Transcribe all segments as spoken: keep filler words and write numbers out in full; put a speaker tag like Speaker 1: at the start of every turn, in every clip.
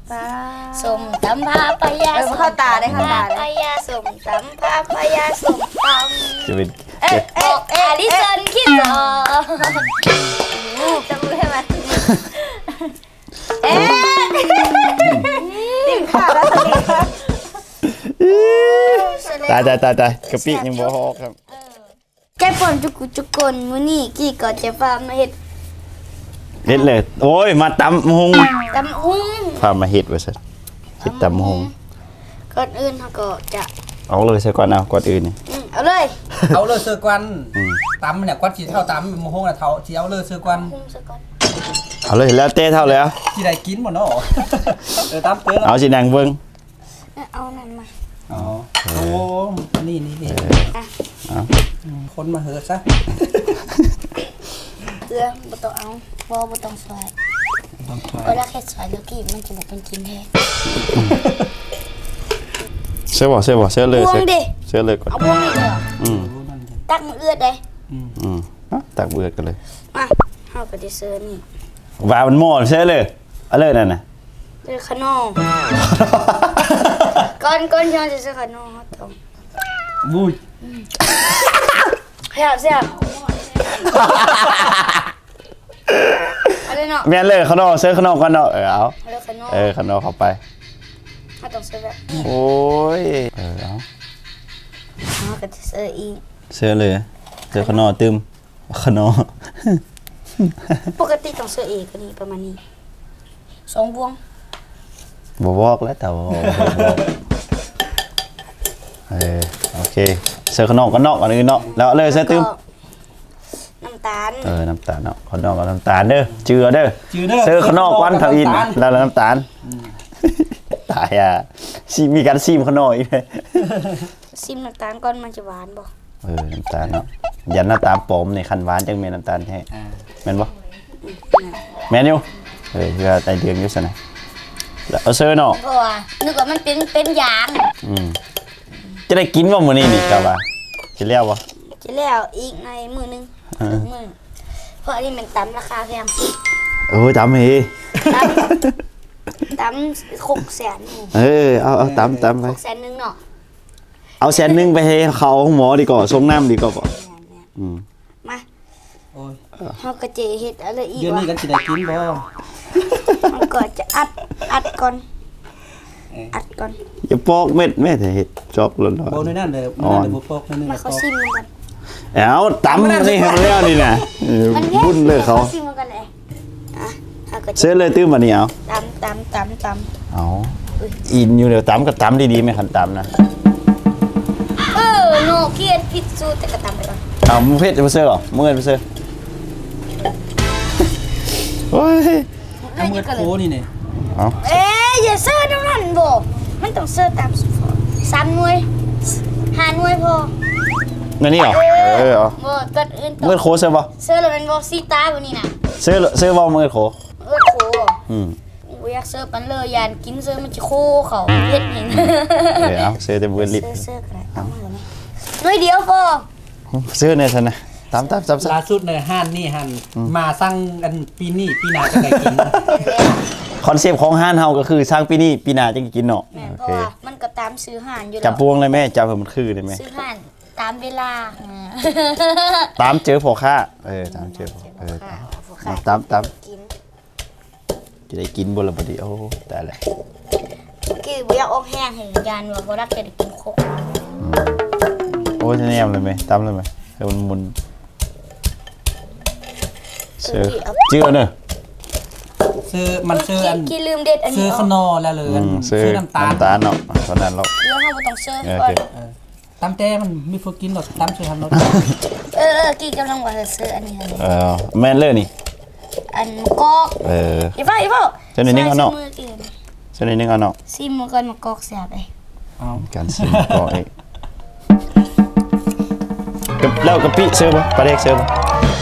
Speaker 1: สมตำพาปยาเข้าตาได้เข้าตาได้ปยาสมตำพาปยาสมตำ
Speaker 2: จะเป็น
Speaker 1: เอ๊ะเอ๊ะเอ๊ะลิซันคิดต่อจำได้ไหมเอ๊ะติ่มขาแล้วสิ
Speaker 2: ตายตายตายตายกะปิยังบ่ฮอกครับ
Speaker 1: แก้ป่นจุกุจุกคนมื้อนี้กี่ก็จะพามาเฮ็ด
Speaker 2: เฮ็ดเลยโอ้ยมาตำหุง
Speaker 1: ตำหุง
Speaker 2: พามาเฮ็ดว่าซั่นเฮ็ดตำหุง
Speaker 1: ก่อนอื่นเขาก็จะ
Speaker 2: เอาเลยซะก่อนเอาก่อนอื่นนี่
Speaker 1: เอาเลย
Speaker 3: เอาเลยเสือกวันตำเนี่ยกวันสิเท่าตำมะฮงน่ะเท่าสิเอาเลยเสือกวัน
Speaker 2: เอาเลยแล้วเต้เท่าแล้ว
Speaker 3: สิได้กินบ่เนาะเออตำเตือน
Speaker 2: เอาสินางเบิ่ง
Speaker 1: เอานั่นมา
Speaker 3: อ๋อโอ้นี่นี่นี่
Speaker 2: เอา
Speaker 3: คนมาเหิดซะ
Speaker 1: เกลือบ่ต้องเอาบ่บ่ต้องซอย
Speaker 3: ต้องซอย
Speaker 1: เวลาแค่ซอยแล้วกี่มันจะบ่เป็นกินแท้
Speaker 2: เสื้อบ่เสื้อบ่เสื้อเลยเสื้อเสื้อเลยก่อน
Speaker 1: เอาพวงนี่เลย
Speaker 2: อืม
Speaker 1: ตักมือเอื้อดได้
Speaker 2: อืมอืมตักเอื้อดกันเลย
Speaker 1: มาเฮาก็สิเสิร์ฟนี่
Speaker 2: ว่ามันหม้อเสื้อเลยเอาเลยนั่นน่ะ
Speaker 1: เลยขนมก่อนก่อนฉันจะซื้อขนมตรง
Speaker 3: บุ้ย
Speaker 1: เสียบเสียบอะไรเนาะ
Speaker 2: แม่นเลยขนมเสื้อขนมก่อนเนาะเออเอาเออขนมเข้าไป
Speaker 1: ถ้าต้องซื้อแบบ
Speaker 2: โอ้ยเออเอา
Speaker 1: อ๋อก็จะซื้ออีก
Speaker 2: เสื้อเลยเสื้อขนมตึมขนม
Speaker 1: ปกติต้องซื้อเองก็นี่ประมาณนี้สองบวง
Speaker 2: บ่บอกแล้วแต่ว่าเออโอเคเสื้อขนมก็นอกอันอื่นเนาะแล้วเลยเสื้อตึม
Speaker 1: น้ำตาล
Speaker 2: เออน้ำตาลเนาะขนมกับน้ำตาลเด้อเจือเด้อเสื้อขนมก้อนเท่าอินแล้วน้ำตาลตายอ่ะซีมีการซีมขนมอีก
Speaker 1: ซีมน้ำตาลก้อนมันจะหวานบ่
Speaker 2: เออน้ำตาลเนาะยันน้ำตาลปมในคันหวานจังมีน้ำตาลแท้แม่นบ่แม่นอยู่เออเพื่อไตเดืองอยู่ซะนะเอาเสื้อเนาะ
Speaker 1: เพราะว่านึกว่ามันเป็นเป็นยาง
Speaker 2: อืมจะได้กินบ่มื้อนี้นี่ก็ว่าสิแล้วบ่
Speaker 1: สิแล้วอีกในมื้อนึงมื้อเพราะอันนี้มันตำราคาแพง
Speaker 2: โอ้ยตำเฮ
Speaker 1: ตำตำหกแสน
Speaker 2: เออเอาเอาตำตำไป
Speaker 1: หกแสนนึงเนาะ
Speaker 2: เอาแสนนึงไปให้เขาหมอดีกว่าส่งน้ำดีกว่าบ่อืม
Speaker 1: มาโอ้ยเฮาก็จะเฮ็ดอะไรอีกวะ
Speaker 3: เดี๋ยวนี้กันสิได้กินบ่
Speaker 1: มันก็จะอัดอัดก่อนอัดก่อน
Speaker 2: อย่าปอกเม็ดแม่แต่เฮ็ดจอกล้นๆ
Speaker 3: บ่ในนั้นเด้อมันได้บ่ปอกนั่นนึง
Speaker 1: มาเขาซิมมันกัน
Speaker 2: เอาตำนี่ให้มันแล้วนี่น่ะบุญเลยเขา
Speaker 1: ซิมมันกันเลยอ่ะเฮาก็
Speaker 2: เสื้อเลยตื้มบัดนี้เอา
Speaker 1: ตำตำตำตำ
Speaker 2: เอาอินอยู่เดี๋ยวตำก็ตำดีๆแม่คันตำนะ
Speaker 1: เออโนเกียนผิดสูตรแต่ก็ตำไปก่อน
Speaker 2: เอามึงเพชรไปเสื้อหรอมึงเงินไปเสื้อโอ้ย
Speaker 3: ทำเงินโคนี่เนี่ย
Speaker 2: เอา
Speaker 1: เอ๊ะอย่าเสื้อน้ำนั่นบ่มันต้องเสื้อตามสามหน่วยห้าหน่วยพอ
Speaker 2: นั่นนี่เหรอเออเอา
Speaker 1: บ่ตัดอื่น
Speaker 2: เงินโคเสื้อบ่
Speaker 1: เสื้อแล้วมันบ่ซีตาบ่นี่น่ะ
Speaker 2: เสื้อเสื้อบ่เงินโค
Speaker 1: เออโคอืมกูอยากเสื้อปันเลยยานกินเสื้อมันจะโคเขาเฮ็ดเห็น
Speaker 2: เออเอาเสื้อเต็มเวลิบ
Speaker 1: เสื้อก็ได้เอามาเลยหน่วยเดียวพอ
Speaker 2: เสื้อเนี่ยซั่นน่ะตามตามตาม
Speaker 3: ล่าสุดในห้านนี่หันมาสร้างกันปีนี้ปีหน้าจะได้กิน
Speaker 2: คอนเซปต์ของห้านเฮาก็คือสร้างปีนี้ปีหน้าจะกินเนาะ
Speaker 1: โอเคมันก็ตามซื้อห้านอยู่
Speaker 2: แล้วจับพวงเลยแม่จับให้มันคือได้มั้ย
Speaker 1: ซื้อห้านตามเวลา
Speaker 2: ตามเจอพ่อค้าเออตามเจอเออตามตามจะได้กินบ่ล่ะบัดนี้โอ้ตายแล้ว
Speaker 1: เมื่อกี้บ่อยากออกแห้งให้ยานว่าบ่รักจะได้กินโค
Speaker 2: โอ้ยแนมเลยมั้ยตามเลยมั้ยให้มันมุนเสื้อเจือเนอะ
Speaker 3: ซื้อมันซื้ออัน
Speaker 1: กี่ลืมเด็ดอันนี้
Speaker 3: ซื้อขนมแล้วเลย
Speaker 2: ซื้อน้ำตาลน้ำตาลเนาะตอนนั้นเรา
Speaker 1: เรื่องเราต้องซื้อก่อน
Speaker 3: ตำแต้มันมีพวกกินหรอกตำซื้อทำรถ
Speaker 1: เออกี่กำลังว่าจะซื้ออันนี้
Speaker 2: เออแม่นเลยนี่
Speaker 1: อันกอก
Speaker 2: เออ
Speaker 1: อีฟ้าอีฟ้า
Speaker 2: เส้นนึงเอาเนาะเส้นนึงเอาเนาะ
Speaker 1: ซิมมันก่อนมากอกแซ่บเอ้
Speaker 2: เอาการซิมกอกเอ้กับแล้วกะปิเสิร์ฟบ่ปลาแดกเสิร์ฟบ่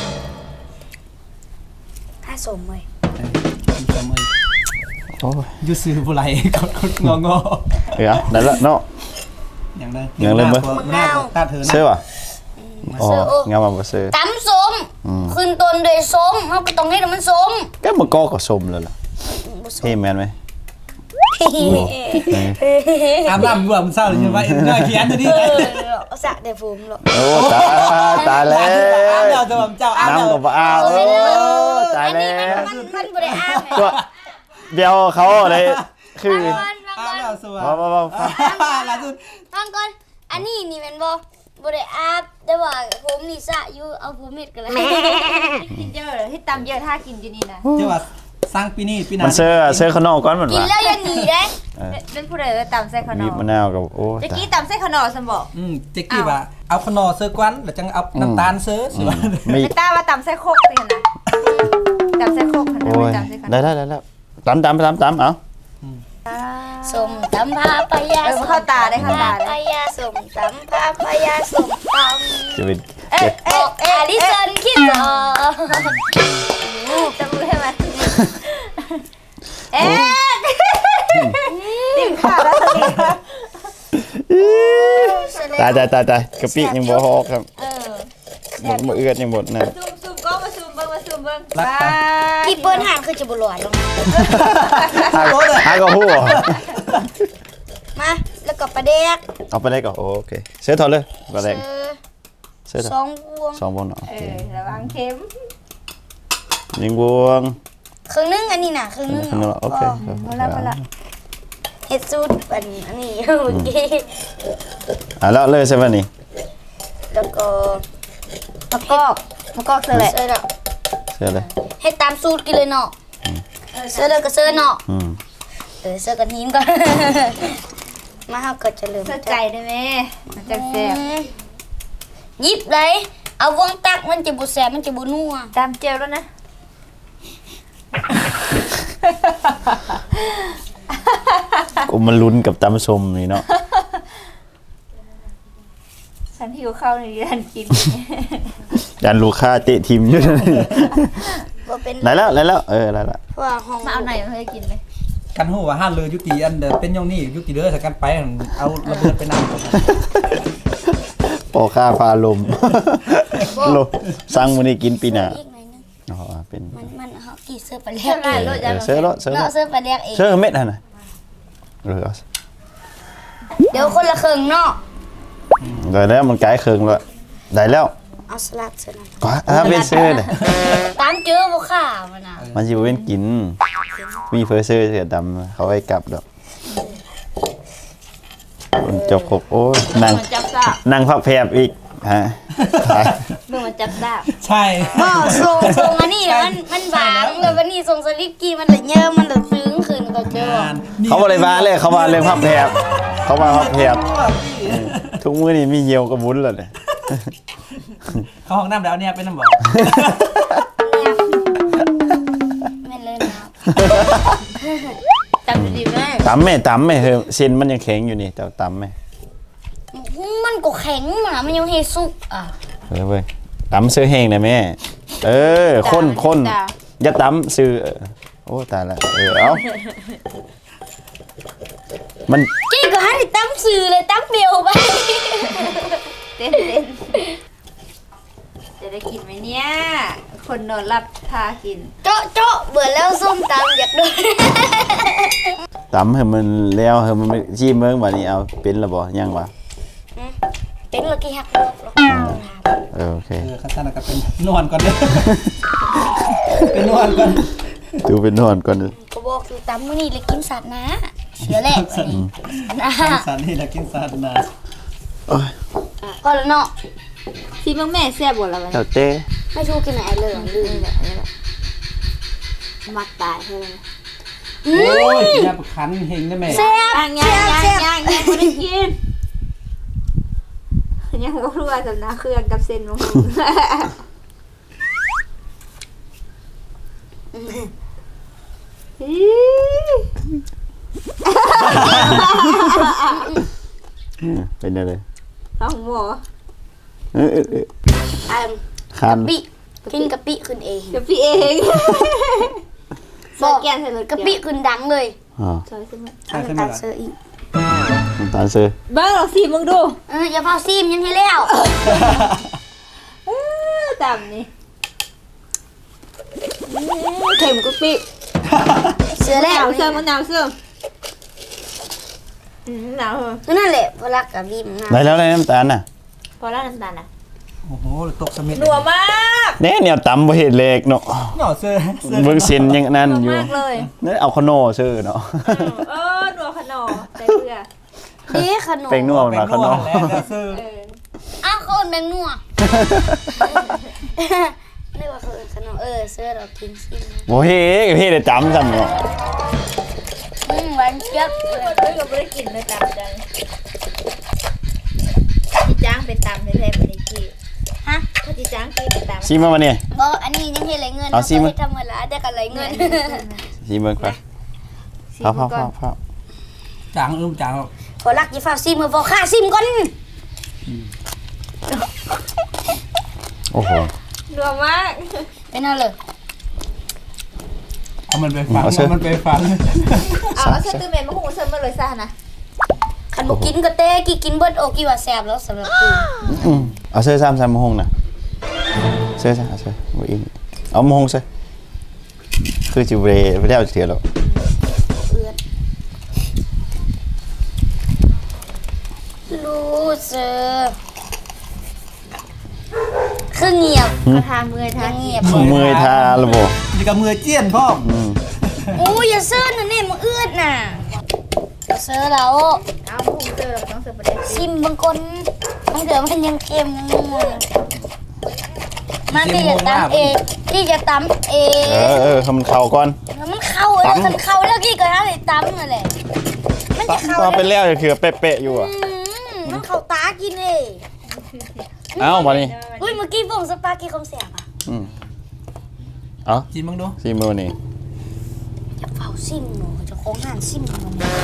Speaker 1: ถ้าสมเว้ย
Speaker 3: สมเว้ยโอ้ยอยู่ซื้อบ่ไหลกดๆงอ
Speaker 2: ๆเอ้ยนั่นละเนาะ
Speaker 3: อย่างนั้น
Speaker 2: อย่างเล่นบ่
Speaker 3: ตัดเถอะนะ
Speaker 2: เสิร์ฟอ่ะอ๋องามมาบ่เสิร์ฟ
Speaker 1: ตำส้มขึ้นต้นด้วยส้มเฮาก็ต้องเฮ็ดให้มันส้ม
Speaker 2: ก็มะกอกก็ส้มแล้วล่ะเฮ้แม่นมั้ย
Speaker 3: อาบน้ำรวมเศร้าเลยใช่ไหมเนื้อเขียนตัวนี้
Speaker 1: เออสะเดี๋ยวผมหรอก
Speaker 2: โอ้ตายตายแล้ว
Speaker 3: อาบแล้วตัวผมเจ้าอาบแล้ว
Speaker 2: น้ำกับอ้าวโอ้ตาย
Speaker 1: อันนี้
Speaker 2: แล้ว
Speaker 1: มันมันมันบ่ได้อ้างไง
Speaker 2: ก็เดี๋ยวเขาอะไรคือ
Speaker 1: บางคนบาง
Speaker 3: อาบ
Speaker 1: คน
Speaker 3: แล้วสวย
Speaker 2: ว้าวว้าวว้าว
Speaker 3: ล่าสุด
Speaker 1: บางคนอันนี้นี่แมันบ่บ่ได้อาบแต่ว่าผมนี่สระอยู่เอาผมเม็ดกันเลย
Speaker 4: กินเยอะเลยที่ตำเยอะถ้ากินอยู่นี่นะ
Speaker 3: เจ้าว่าสร้างปีนี้ปีนั้
Speaker 2: มัน
Speaker 3: น
Speaker 2: เสื้อเสื้อข้างนอกก่อนมัน
Speaker 1: กิน
Speaker 2: วะ
Speaker 1: แล้วอยังหนีได้
Speaker 2: เออ
Speaker 4: เป็นผู้ใดเออตำใส่ขน
Speaker 2: มี
Speaker 4: ม
Speaker 2: มะนาวกับโอ้
Speaker 4: ตะ
Speaker 2: ตาย
Speaker 4: กี้ตำใส่ขนมสมบอก
Speaker 3: อืมเจ๊กี้ว่าเอาขนอเสื้อกวนแล้วจังเอาน้ำตาลเสื้อ
Speaker 2: อื
Speaker 3: สิ
Speaker 2: ม
Speaker 3: ว่า
Speaker 2: มี
Speaker 4: ไม่ต้าว่าตำใส่โคกสินะตำใส่โคกขน
Speaker 2: โอ้
Speaker 4: ม
Speaker 2: ย
Speaker 4: ตำใส่ขน
Speaker 2: ได้
Speaker 4: ม
Speaker 2: ได้ได้แล้วตำตำตำตำเอา
Speaker 1: สมตำพาปยา
Speaker 4: เออเข้าตาได้เข้าตา
Speaker 1: พ
Speaker 4: ได้
Speaker 1: ยาสมตำพาปยาสมตำ
Speaker 2: จะเป็น
Speaker 4: เอ๊ะ
Speaker 1: ออกอลิสันคิดต่อ
Speaker 4: จะมือให้มันเอ๊ะติ่งขาแล้วสลิด
Speaker 2: ตายตายตายตายกะปิยังบ่ฮอกครับ
Speaker 4: เออ
Speaker 2: หมดมือเอื้อนยังหมดนะ
Speaker 4: ซูมซูมก็มาซูมเบิ้งมาซูมเบิ้ง
Speaker 3: รักกัน
Speaker 1: ที่เปิ้นหานคือจะบ่หลอนลง
Speaker 2: หาหากระหู้
Speaker 1: มาแล้วก็ปลาแดก
Speaker 2: เอาไปเลยก่อนโอเคเสื้อถอดเลยก็แร
Speaker 1: เอก อ
Speaker 2: เสื้อถ
Speaker 1: ส
Speaker 2: อด
Speaker 1: องวง
Speaker 2: สองบนโอ
Speaker 4: เอ
Speaker 2: เค
Speaker 4: อระวังเข็ม
Speaker 2: ยิงบวง
Speaker 1: ครึ่งนึงอันนี้น่ะครึ่งนึง
Speaker 2: ข้างนอกโอเค
Speaker 4: พอละพอละ
Speaker 1: เฮ็ดสูตรอันอันนี้เมื่อกี้
Speaker 2: อ่ะแล้วเลยใช่ป่ะนี่
Speaker 1: แล้วก็
Speaker 4: มะกอกมะกอกเสร็จ
Speaker 1: เสื้อแล้ว
Speaker 2: เสื้อเลย
Speaker 1: ให้ตามสูตรกินเลยเนาะเสื้อเลยก็เสื้อเนาะ
Speaker 2: อืม
Speaker 1: เออเสื้อกันหินก่อน มาเฮาก็จะเริ่ม
Speaker 4: เสื้อใจได้ไหมมันจะแซ่บ
Speaker 1: หยิบเลยเอาวงตักมันจะบ่แซ่บมันจะบ่นัว
Speaker 4: ตำเจียวแล้วนะ
Speaker 2: กูมาลุ้นกับตำส้มนี่เนาะ
Speaker 4: ฉันหิวข้าวในเดือนกิน
Speaker 2: ยันลูกค้าเตะทีมอยู่นั่น
Speaker 1: บ่เป็น
Speaker 2: ได้แล้วได้แล้วเออได้แล้ว
Speaker 1: เพราะว่าห้อง
Speaker 4: มาเอาไหนมาให้กินเลย
Speaker 3: กันหูว่าห้าเลยยุติอันเดอเป็นยองนี่ยุติเด้อถ้ากันไปเอาระเบิดไปนำ
Speaker 2: ปอค่าพาลมลมสั่งมื้อนี้กินปีหน้า
Speaker 1: อีกหน่อยนึง
Speaker 2: อ๋อเป็น
Speaker 1: มันมันเฮากี่เสื้อปลาแด
Speaker 4: เสื้อก ลายรถ
Speaker 2: เอ
Speaker 4: ยัง
Speaker 2: อเสื้อรถเสื้อร
Speaker 1: เนาะ
Speaker 2: ถ
Speaker 1: เสื้อปลาแดกเอง
Speaker 2: เสื้อเม็ดหั่นน่ะเออเอา
Speaker 1: เดี๋ยวคนละครึ่งเนาะ
Speaker 2: ได้แล้วมันไกลเครื่องแล้วได้แล้ว
Speaker 1: เอาสลัดเสื้อนั้น
Speaker 2: ก็ถ้าเป็นเสื้อเลย
Speaker 1: ตามเจอบ่ข่าวมันน่ะ
Speaker 2: มันสิบ่เป็นกิน มีเฟอร์เซอร์เสือดำเขาไว้กลับดอกคนจบครบโอ้ยนั่ง
Speaker 4: มันจับซาก
Speaker 2: นั่งพักแพรบอีกฮะ
Speaker 4: เมื่อมันจับซาก
Speaker 3: ใช่
Speaker 1: บ่ทรงทรงอันนี้น่ะมันมันบางแล้ววันนี้ทรงสลิปกี้มันละเยิ่มมันละซึ้งขึ้นก็เจอ
Speaker 2: เขาบ่ได้ว่าเลยเขาว่าเรื่องพักแพรบเขาว่าพักแพรบทุกมื้อนี้มีเหี่ยวกับวุ้นแล้วเนี่ย
Speaker 3: เขาห้องน้ำแล้วเนี่ยเป็นน้ำบอก
Speaker 1: แม่นเลยนะ
Speaker 4: จำดีไหม
Speaker 2: ตำแม่ตำแม่เฮอเส้นมันยังแข็งอยู่นี่แต่ตำแม่
Speaker 1: มันก็แข็งมันอะมันยังเฮสุกอ่ะ
Speaker 2: เออเว้ยตำซื้อแห้งได้แม่ เออคนคนอย่าตำซื้อเออโอ้ตายละเออเอามัน
Speaker 1: เจ๊ก็หันไปตั้มสื่อเลยตั้มเดียวไป
Speaker 4: เต้นเต้นจะได้กินไหมเนี่ย คนนอนรับพากิน
Speaker 1: โจ๊ะโจ๊ะเบื่อแล้วส้มตำอยากดู
Speaker 2: ตำให้มันแล้วให้มันชี้เมืองบัดนี้เอาเป็นและบ่ยังวะ
Speaker 1: เป็นเรากี่หักลูกหรอก
Speaker 2: เออโอเค
Speaker 3: เออขั้นตอนก็เป็นนวลก่อนเด้อเป็นนวลก่อน
Speaker 2: ดูเป็นนอนก่อนดิ
Speaker 1: ก็บอกอยู่ตำมื้อนี้เลยกินสัตว์นะเสียแหละวันนี้นะ
Speaker 3: สันนี่นะกินซาดนา
Speaker 2: โอ้ย
Speaker 1: พอแล้วเนาะ
Speaker 4: ซีมังแม่แซ่บหมดแล้วไหม
Speaker 2: เจ้าเต้
Speaker 1: ไม่ชูกินไหนเลยลืม
Speaker 4: แบบนี้แหละมักตายใช่ไหม
Speaker 3: โอ้ยยาประคันเฮงได้ไหม
Speaker 1: แซ่บ
Speaker 4: ย่างย่างย่างย่างย่างไม่ได้กินยังก็รู้ว่าสำนักเครื่องกับเส้นมะม่วงอี๋
Speaker 2: อืมเป็นอะไร
Speaker 4: ท้องหมู
Speaker 2: เออเออเออ
Speaker 1: อ่ะ
Speaker 2: คัน
Speaker 1: ปิกินกะปิขึ้นเอง
Speaker 4: กับพี่เอง
Speaker 1: บอก
Speaker 4: แกนใส่รถ
Speaker 1: กะปิขึ้นดังเลย
Speaker 2: อ๋อ
Speaker 4: ซอยใช่ไหม
Speaker 3: ใช่
Speaker 1: เอา
Speaker 3: ใช่ไหม
Speaker 1: น้ำตาล
Speaker 3: ล่ะ
Speaker 1: เสืออีก
Speaker 2: น้ำตาลซื้อ
Speaker 4: บ้าหรอกสิมึงดู
Speaker 1: เอออย่าเผาซีมยังให้แล้ว
Speaker 4: เออต่ำนี่เข็มกุ๊ปปี้
Speaker 1: เสือ
Speaker 4: มะ
Speaker 1: แล้
Speaker 4: นาว วเสื่อมมะนาวเสื่อมอืมหนาวเหรอ
Speaker 1: นั่นแหละพอรักกับบีมนะ
Speaker 2: ได้แล้วได้น้ำตาลน่ะ
Speaker 4: พอแล้วน้ำตาลอ่ะ
Speaker 3: โอ้โหตกสมิธ
Speaker 4: หนัวมาก
Speaker 2: แน่เนี่ยตำบ่เฮ็ดเล็กเนาะ
Speaker 3: หน่อเสื้อเสื้อ
Speaker 2: เบิ่งเส้นยังนั่น
Speaker 4: หนัว
Speaker 2: อยู่
Speaker 4: มากเลย
Speaker 2: นั่นเอาขนมซื้อเนาะ
Speaker 4: เออหนัวขนอใส่เกลือ
Speaker 1: ดีขนม
Speaker 2: เป็นนัวมันมาขนม
Speaker 3: แล้วก็เสื้อ
Speaker 4: เออ
Speaker 1: อ้าวเขาเอิ้นแบงนัวนึกว่าเขาเอิ้นขนมเออเสื้อเรากินซิม
Speaker 2: บ่เฮ็ดเฮ็ดได้จำซั่นเนาะ
Speaker 1: อืมหวานเจี๊ยบเลย
Speaker 4: เฮ้ยก็ไม่ได้กินเลยตามจังจีจ้างไปตำแท้ๆไปในกี้
Speaker 1: ฮะ
Speaker 4: ถ้าจีจ้างกี้ไปตำ
Speaker 2: ซิมาวันนี้
Speaker 1: บ่อันนี้ยังเฮ็ดไรเงิน
Speaker 2: เอาซิม
Speaker 1: เฮ็ดธรรมดาได้กันไรเงิน
Speaker 2: ซิเบิ่งก่อน
Speaker 4: ชิม
Speaker 2: พอ
Speaker 4: ก่อน
Speaker 2: ๆๆ
Speaker 3: จางอึ้มจาง
Speaker 1: พอรักยี่ฟ้าซิมมือพอค่าซิมก่อน
Speaker 2: ๆโอ้โห
Speaker 4: หนัวมาก
Speaker 1: เป็นอะไรเลย
Speaker 3: เอามันไปฟังเอามันไปฟัง
Speaker 4: เอาเอาเสื้อตื้อเมนมาหุงเสื้อมาเลยซะนะ
Speaker 1: คันบ่กินก็เต้กี่กินเบิดโอกี่ว่าแซ่บแล้วสำหรับกู
Speaker 2: อืมเอาเสื้อซ้ำซ้ำมะฮงน่ะเสื้อซ้ำเอาเสื้อบ่อิงเอามะฮงเสื้อคือสิบ่ได้บ่ได้เอาเถื่อหรอก
Speaker 1: เอื้อนรู้สึกคือเงียบ
Speaker 4: กระทาเมื่อยทา
Speaker 1: ยัง
Speaker 4: เงี
Speaker 1: เงี
Speaker 4: ย
Speaker 1: ย
Speaker 4: บบ
Speaker 2: มือทาระบบ
Speaker 3: นี่ก็มือเจี้ยนพ่อ
Speaker 2: อืม
Speaker 1: โอ้ยอย่าเซิร์นนะเนี่ยมึงเอื้อนน่ะอย่าเซิร์นแล้ว
Speaker 4: เอามาหุงเสื้อเราต้องเสื้อประเด็น
Speaker 1: ซิมบางคนบางเดือมันยังเค็มยังนัวมันที่จะตำเองที่จะตำเอ
Speaker 2: เอง อเออให้มันเข้าก่อน
Speaker 1: แล้วมันเข้าแล้วมันเข้าแล้วกี่ก็ได้ตำนั่นแหละมันจะเข้า
Speaker 2: ตอนไปแล้วจะคือเป๊ะๆอยู่อ่ะ
Speaker 1: อืมมันเข้าตากินเลย
Speaker 2: เอ้ามานี่
Speaker 1: อุ้ยเมื่อกี้ผมสปาเกตคอมเสียบอ่ะ
Speaker 2: อืมเอา
Speaker 3: จีมึงดู
Speaker 2: ซิมือนี่
Speaker 1: จะเฝ้าซิมหนูจะโค้งงานซิมหนู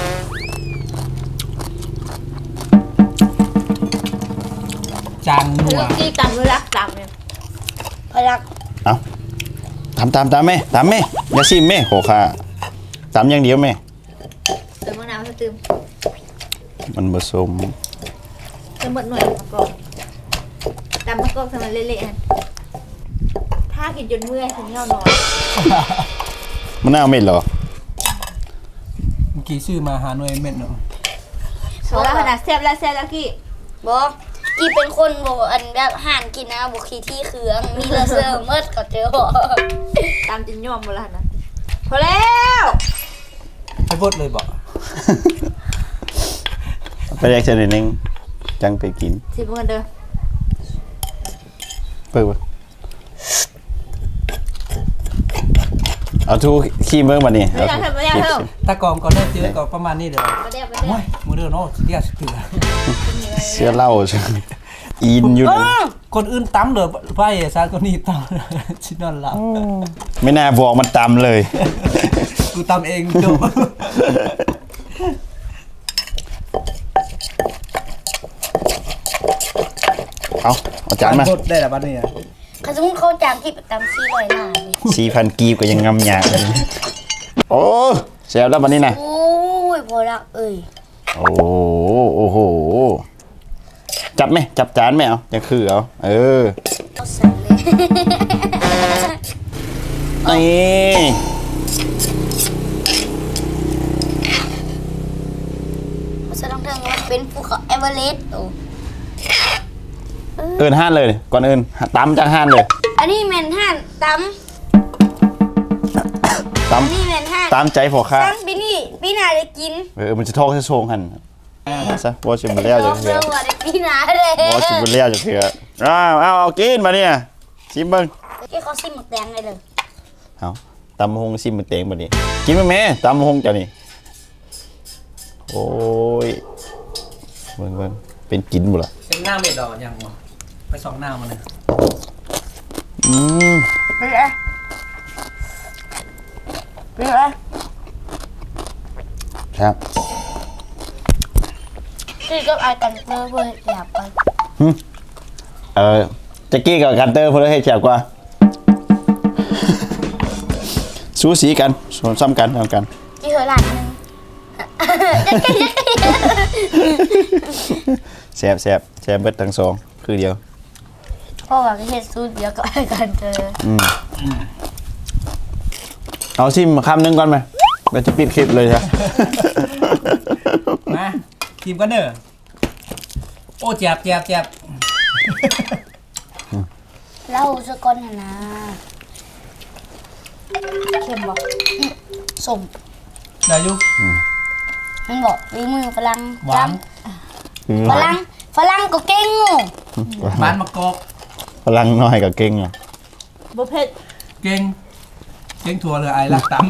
Speaker 3: จางนัว
Speaker 4: ลูกกี้ตำรู้รักตำเนี่ย
Speaker 1: พลัก
Speaker 2: เอาตามตามตามแม่ตามแม่อย่าซิมแม่โหค่ะตามอย่างเดียวแม่
Speaker 4: เติมมะนาวเติม
Speaker 2: มันผสม
Speaker 4: เติมหมดหน่วยมะกอกตำมะกอกทำมันเละๆฮะถ้ากินจนเมื่อยถึงเงานอน
Speaker 2: มันน่าเอาเม็ดเหรอ
Speaker 3: เมื่อกี้ชื่อมาหาหน่วยเม็ดเนาะ
Speaker 4: โซล่าขนาดแซ่บแล้วแซ่บแล้วกี้
Speaker 1: บอกกี่เป็นคนบอกอันแบบห่านกินนะบุคีที่เคืองมีเลเซอร์เมิดก็เจอ
Speaker 4: ตำจนย่อมหมดแล้วนะพอแล้ว
Speaker 3: ให้บดเลยบอก
Speaker 2: ไปแยกเส้นหนึ่งจังไปกิน
Speaker 4: สิบเงินเด้อ
Speaker 2: เปิดวะเอาทูขี้เมืองมานี่
Speaker 4: ไม่อยากเถอะไม่อยากเถอะ
Speaker 3: ตะกองก่อนได้เจอก่อนประมาณนี้เด้อ
Speaker 4: ประเดี๋ยวประ
Speaker 3: โอ้
Speaker 4: เดี๋ยวย
Speaker 3: มือเด้อเนาะเรียกเถื่อ
Speaker 2: เสื้อเหล่าใช่ไหมอินอยู่
Speaker 3: เอ
Speaker 2: นะ
Speaker 3: อคนอื่นตำเด้อไฟซาตัวนี้ตำชินอนหลับ
Speaker 2: ไม่น่าบอกมันตำเลย
Speaker 3: กูตำเองจบ
Speaker 2: เอาเอาจานมา
Speaker 3: บดได้แล้วบัดนี้
Speaker 1: เขาสมมติเขาจ้างที่ประจำซีลอยล้านเลย
Speaker 2: สี่พันกีบก็ยังงำยากเลยโอ้เสียแล้ววันนี้นะ
Speaker 1: โอ้ยพอรักเอ้ย
Speaker 2: โอ้โหโอ้โห จับไหมจับจานไหมเอาจะคือเอาเออ
Speaker 1: เอาใส่เลย
Speaker 2: นี่
Speaker 1: เขาจะต้องเทิงมันเป็นภูเขาเอเวอเรสต์โอ้
Speaker 2: เอินห้านเลย ก่อนเอินตำจากห้านเลย
Speaker 1: อันนี้แมนห่านต
Speaker 2: ต
Speaker 1: ำอันนี้แมนห่าน
Speaker 2: ำตามใจพอค่า
Speaker 1: ตั้งปีนี้ปีหน้าได้กิน
Speaker 2: เออมันจะทอกจะโชงหันซะวอชิบุเลียวจะ
Speaker 1: ลอง
Speaker 2: เถื่
Speaker 1: เรื่
Speaker 2: อ
Speaker 1: องว่าได้ปีหน้าเลยว
Speaker 2: อชิบุเลียวจะเถื่ออ้าวเอาเอากินมาเนี่ยชิมเบิ้ง
Speaker 1: ที่เขาซิมหมึกแดงเลยเลย
Speaker 2: เอาตำมะฮงซิมมันเตงมาดิกินมาแม่ตำมะฮงเจ้านี่โอ้ยเบิ้งเบิ้งเป็นกินบุล่ะ
Speaker 3: เป็นหน้าเม็ดดอกยังวะไปสองหน้ามาเลย
Speaker 2: อืม
Speaker 1: ไปเลยไปเลย
Speaker 2: ครับ
Speaker 1: ที่ก็ไอกันเตอร์เว้ยอยากไป
Speaker 2: หึเออแจ็กกี้กับกันเตอร์เพื่อให้แฉบกว่าสูสีกันส่วนซ้ำกันซ้ำกัน
Speaker 1: ที่เธอหลานหนึง
Speaker 2: แซบแซบแซบเบิดทั้งสองคือเดียว
Speaker 1: เพราะว่าเฮ็ดสูตรเดียวกับไอกันเตอร์
Speaker 2: อืมเอาซิมคำหนึงก่อนไหมเราจะปิดคลิปเลยใช่
Speaker 3: มาทีมกันเด้อโอ้เจ็บเจ็บเจ็บ
Speaker 1: เล่าสกอนหนนะ
Speaker 4: เค็มบ่
Speaker 1: สม
Speaker 3: ได้อยู่
Speaker 1: มันบอกวีมือฝรั่ง
Speaker 3: หวาน
Speaker 1: ฝรั่งฝรั่งก็เก่ง
Speaker 3: บ้านมะกอก
Speaker 2: พลังน้อยกับเก่งอ่ะ
Speaker 4: บ่เผ็ด
Speaker 3: เก่งเก่งถั่วเลยไอ้ลักตำ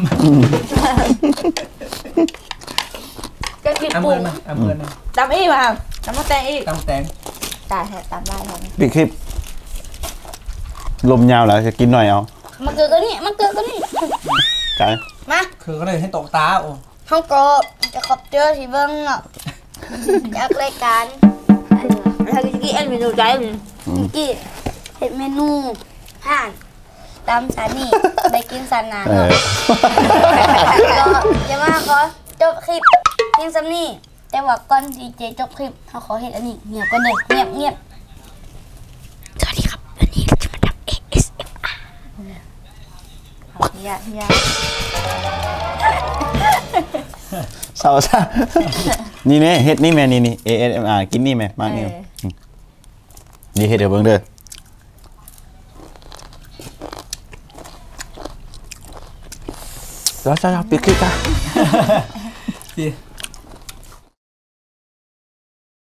Speaker 4: ก็กิน
Speaker 3: เอา
Speaker 4: ปู
Speaker 3: เงินมาเอาเงินมา
Speaker 4: ตำอีกมาตำมะแตงอีก
Speaker 3: ตำแตง
Speaker 4: ตายแท้ตำได้แล้ว
Speaker 2: ปิดคลิปลมยาวแล้วจะกินหน่อยเอา
Speaker 1: มาเกิดกันนี่มาเกิดกันนี่
Speaker 2: กัน
Speaker 1: มา
Speaker 3: คือก็เลยให้ตกตาโอ้
Speaker 1: ห้องก็จะขอบเจอที่เบิ้งอ่ะจากรายการ
Speaker 4: ถ้ากินเอ็นเมนูใจมัน
Speaker 1: เมื่อกี้เห็ดเมนูห่านตามสันนี่ได้กินสันนาน
Speaker 2: เอ
Speaker 1: เนาะ
Speaker 2: อ
Speaker 1: ก็จะมาขอจบคลิปเพียงซ้ำนี่แต่ว่าก่อนที่เจจบคลิปเขาขอเห็ดอันนี้เงียบกันเด้อเงียบเงียบสวัสดีครับวันนี้เราจะมาทำ เอ เอส เอ็ม อาร์
Speaker 4: เฮียเฮีย
Speaker 2: เศร้าซะนี่แม่เฮ็ดนี่แม่นี่นี่ เอ เอส เอ็ม อาร์ กินนี่แม่มานี่นี่เฮ็ดเดี๋ยวเบิ่งเด้อแล้วจะปิดคลิปจ้ะ
Speaker 3: พี่